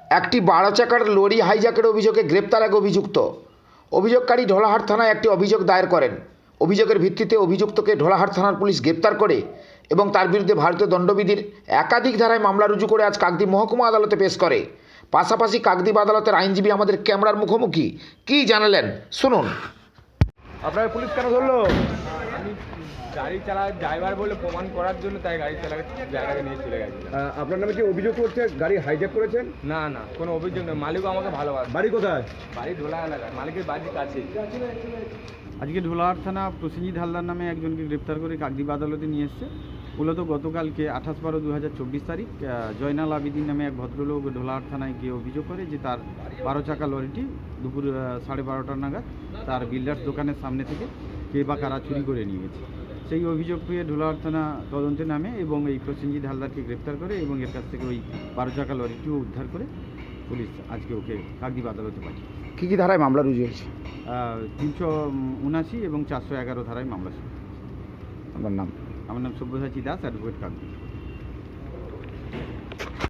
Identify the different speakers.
Speaker 1: একটি 12 চাকার লরি হাইজ্যাকের অভিযোগে গ্রেপ্তার এক অভিযুক্ত। অভিযোগকারী ঢোলাহাট থানায় একটি অভিযোগ দায়ের করেন। অভিযোগের ভিত্তিতে অভিযুক্তকে ঢোলাহাট থানার পুলিশ গ্রেপ্তার করে এবং তার বিরুদ্ধে ভারতীয় দণ্ডবিধির একাধিক ধারায় মামলা রুজু করে আজ কাকদ্বীপ মহকুমা আদালতে পেশ করে। পাশাপাশি কাকদ্বীপ আদালতের আইনজীবী আমাদের ক্যামেরার মুখোমুখি কী জানালেন শুনুন।
Speaker 2: আপনার পুলিশ কেন ধরলো? আমি গাড়ি চালার ড্রাইভার বলে প্রমাণ করার জন্য তাই গাড়ি চালার জায়গাকে নিয়ে চলে গেছি।
Speaker 3: আপনার নামে কি অভিযোগ করছে গাড়ি হাইজ্যাক করেছেন?
Speaker 2: না না, কোনো অভিযোগ নেই। মালিকও আমাকে ভালোবাসে।
Speaker 3: বাড়ি কোথায়?
Speaker 2: বাড়ি ঢোলা এলাকা, মালিকের বাড়ির কাছে।
Speaker 4: আজকে ঢোলাহাট থানা প্রসেনজিৎ হালদার নামে একজনকে গ্রেপ্তার করে কাকদ্বীপ আদালতে নিয়ে এসছে। মূলত গতকালকে 28/12/2024 তারিখ জয়নাল আবিদিন নামে এক ভদ্রলোক ঢোলাহাট থানায় গিয়ে অভিযোগ করে যে তার 12 চাকা লরিটি দুপুর 12:30 নাগাদ তার বিল্ডার্স দোকানের সামনে থেকে কে বা কারা চুরি করে নিয়ে গেছে। সেই অভিযোগ পেয়ে ঢোলাহাট থানা তদন্তে নামে এবং এই প্রসেনজিৎ হালদারকে গ্রেপ্তার করে এবং এর কাছ থেকে ওই 12 চাকা লরিটিও উদ্ধার করে পুলিশ আজকে ওকে কাকদ্বীপ আদালতে পাঠিয়ে।
Speaker 1: কী কী ধারায় মামলা রুজু হয়েছে?
Speaker 4: 379 এবং 411 ধারায় মামলা শুরু।
Speaker 1: আমার নাম
Speaker 4: আমার নাম সব্যসাচী দাস, অ্যাডভোকেট কাকদ্বীপ।